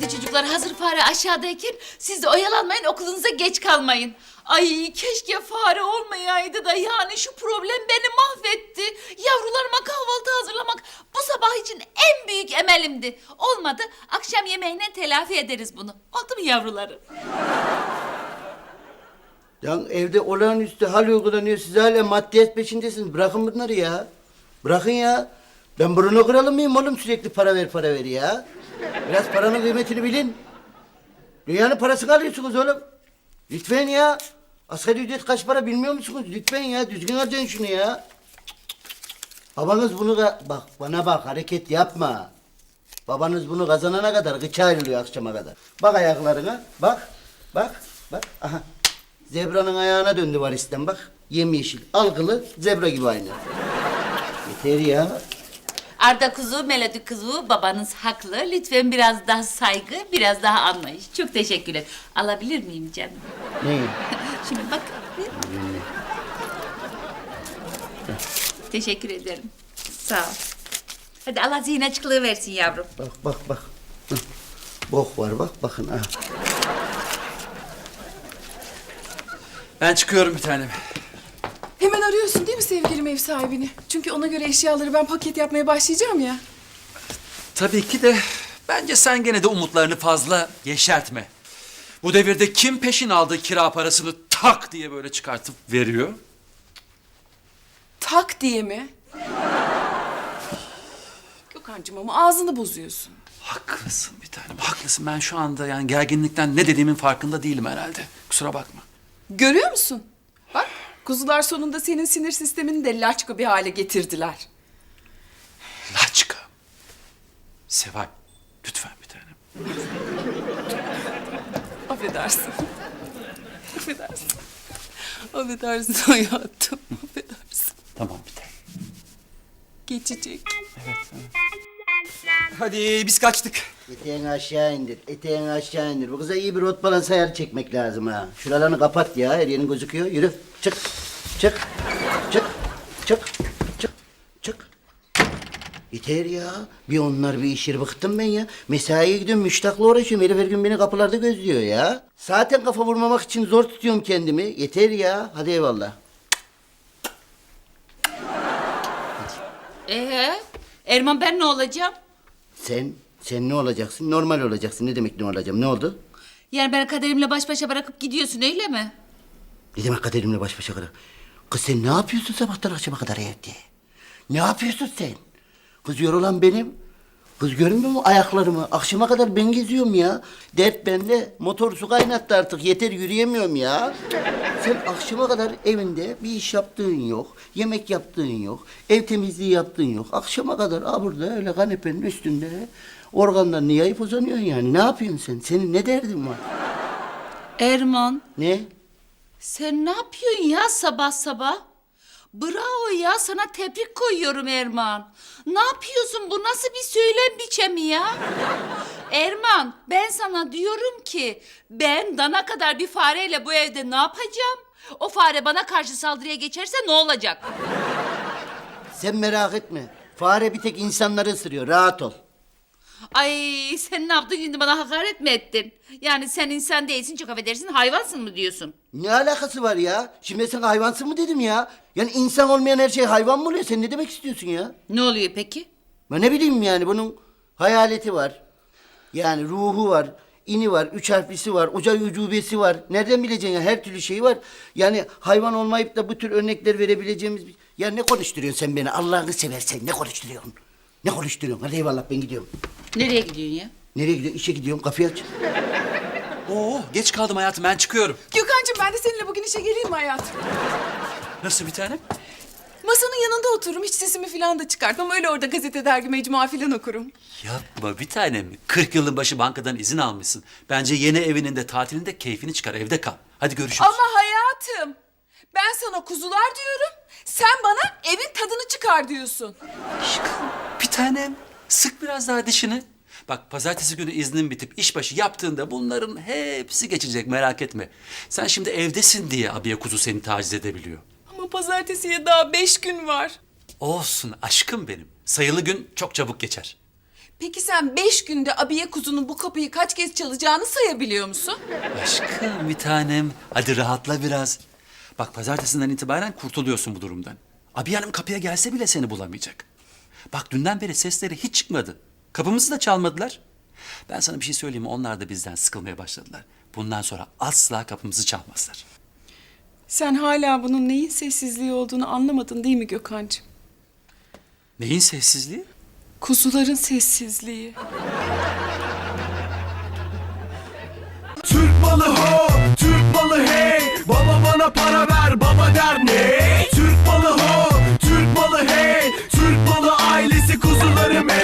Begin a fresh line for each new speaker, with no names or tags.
Hadi çocuklar hazır fare aşağıdayken siz de oyalanmayın, okulunuza geç kalmayın. Ay keşke fare olmayaydı da yani şu problem beni mahvetti. Yavrularıma kahvaltı hazırlamak bu sabah için en büyük emelimdi. Olmadı, akşam yemeğine telafi ederiz bunu. Oldu mu yavrularım?
Ya evde olağanüstü hal uygulanıyor. Siz hala maddiyat peşindesiniz. Bırakın bunları ya. Bırakın ya. Ben Bruno kralı mıyım oğlum, sürekli para ver para ver ya. Biraz paranın kıymetini bilin. Dünyanın parasını alıyorsunuz oğlum. Lütfen ya. Asgari ücret kaç para bilmiyor musunuz? Lütfen ya, düzgün harcayın şunu ya. Babanız bunu bak bana bak, hareket yapma. Babanız bunu kazanana kadar gıça ayrılıyor akşama kadar. Bak ayaklarına, bak, bak, bak. Aha. Zebranın ayağına döndü varisten bak. Yemyeşil, algılı, zebra gibi aynı. Yeter ya.
Arda kuzu, Melodi kuzu, babanız haklı. Lütfen biraz daha saygı, biraz daha anlayış. Çok teşekkürler. Alabilir miyim canım?
Ne?
Şimdi bak. Teşekkür ederim. Sağ ol. Hadi Allah zihin açıklığı versin yavrum.
Bak bak bak. Hı. Bok var bak, bakın ha.
Ben çıkıyorum bir tanem.
Hemen arıyorsun değil mi sevgilim ev sahibini? Çünkü ona göre eşyaları ben paket yapmaya başlayacağım ya.
Tabii ki de bence sen gene de umutlarını fazla yeşertme. Bu devirde kim peşin aldığı kira parasını tak diye böyle çıkartıp veriyor?
Tak diye mi? Gökhan'cığım ama ağzını bozuyorsun.
Haklısın bir tanem, haklısın. Ben şu anda yani gerginlikten ne dediğimin farkında değilim herhalde. Kusura bakma.
Görüyor musun? Bak kuzular sonunda senin sinir sistemini de laçka bir hale getirdiler.
Laçka. Seval, lütfen bir tanem.
Affedersin. Affedersin. Affedersin hayatım. Affedersin.
Tamam bir tanem.
Geçecek.
Hadi biz kaçtık.
Eteğini aşağı indir, eteğini aşağı indir. Bu kıza iyi bir rot balans ayarı çekmek lazım ha. Şuralarını kapat ya, her yerin gözüküyor. Yürü, çık, çık, çık, çık, çık, çık. Yeter ya. Bir onlar bir işir, bıktım ben ya. Mesaiye gidiyorum, müştakla uğraşıyorum. Herif her gün beni kapılarda gözlüyor ya. Zaten kafa vurmamak için zor tutuyorum kendimi. Yeter ya. Hadi eyvallah.
Erman ben ne olacağım?
Sen ne olacaksın? Normal olacaksın. Ne demek ne olacağım? Ne oldu?
Yani beni kaderimle baş başa bırakıp gidiyorsun öyle mi?
Ne demek kaderimle baş başa kadar? Kız sen ne yapıyorsun sabahtan akşama kadar evde? Ne yapıyorsun sen? Kız yorulan benim. Kız görmüyor mu ayaklarımı? Akşama kadar ben geziyorum ya. Dert bende. Motor su kaynattı artık. Yeter, yürüyemiyorum ya. Sen akşama kadar evinde bir iş yaptığın yok. Yemek yaptığın yok. Ev temizliği yaptığın yok. Akşama kadar burada öyle kanepenin üstünde organlarını yayıp uzanıyorsun yani. Ne yapıyorsun sen? Senin ne derdin var?
Erman
Ne?
sen ne yapıyorsun ya sabah sabah? Bravo ya, sana tebrik koyuyorum Erman. Ne yapıyorsun, bu nasıl bir söylem biçemi ya? Erman ben sana diyorum ki ben dana kadar bir fareyle bu evde ne yapacağım? O fare bana karşı saldırıya geçerse ne olacak?
Sen merak etme. Fare bir tek insanları ısırıyor. Rahat ol.
Ay sen ne yaptın şimdi, bana hakaret mi ettin? Yani sen insan değilsin, çok affedersin, hayvansın mı diyorsun?
Ne alakası var ya? Şimdi sen hayvansın mı dedim ya? Yani insan olmayan her şey hayvan mı oluyor? Sen ne demek istiyorsun ya?
Ne oluyor peki?
Ben ne bileyim yani, bunun hayaleti var. Yani ruhu var, ini var, üç harflisi var, uca ucubesi var. Nereden bileceksin ya? Her türlü şey var. Yani hayvan olmayıp da bu tür örnekler verebileceğimiz bir... Ya ne konuşturuyorsun sen beni? Allah'ını seversen ne konuşturuyorsun? Ne konuşturuyorsun? Hadi eyvallah, ben gidiyorum.
Nereye gidiyorsun ya?
Nereye gidiyorsun? İşe gidiyorum. Kapıyı aç.
Oo, geç kaldım hayatım, ben çıkıyorum.
Gökhan'cığım ben de seninle bugün işe geleyim mi hayatım?
Nasıl bir tanem?
Masanın yanında otururum. Hiç sesimi falan da çıkartmam. Öyle orada gazete, dergi, mecmua falan okurum.
Yapma bir tanem. 40 yılın başı bankadan izin almışsın. Bence yeni evinin de tatilinde keyfini çıkar, evde kal. Hadi görüşürüz.
Ama hayatım ben sana kuzular diyorum. Sen bana evin tadını çıkar diyorsun.
Aşkım bir tanem. Sık biraz daha dişini. Bak pazartesi günü iznin bitip işbaşı yaptığında bunların hepsi geçecek, merak etme. Sen şimdi evdesin diye abiye kuzu seni taciz edebiliyor.
Ama pazartesiye daha 5 gün var.
Olsun aşkım benim. Sayılı gün çok çabuk geçer.
Peki sen 5 günde abiye kuzunun bu kapıyı kaç kez çalacağını sayabiliyor musun?
Aşkım bir tanem. Hadi rahatla biraz. Bak pazartesinden itibaren kurtuluyorsun bu durumdan. Abiye Hanım kapıya gelse bile seni bulamayacak. Bak dünden beri sesleri hiç çıkmadı. Kapımızı da çalmadılar. Ben sana bir şey söyleyeyim mi? Onlar da bizden sıkılmaya başladılar. Bundan sonra asla kapımızı çalmazlar.
Sen hala bunun neyin sessizliği olduğunu anlamadın değil mi Gökhan'cığım?
Neyin sessizliği?
Kuzuların sessizliği.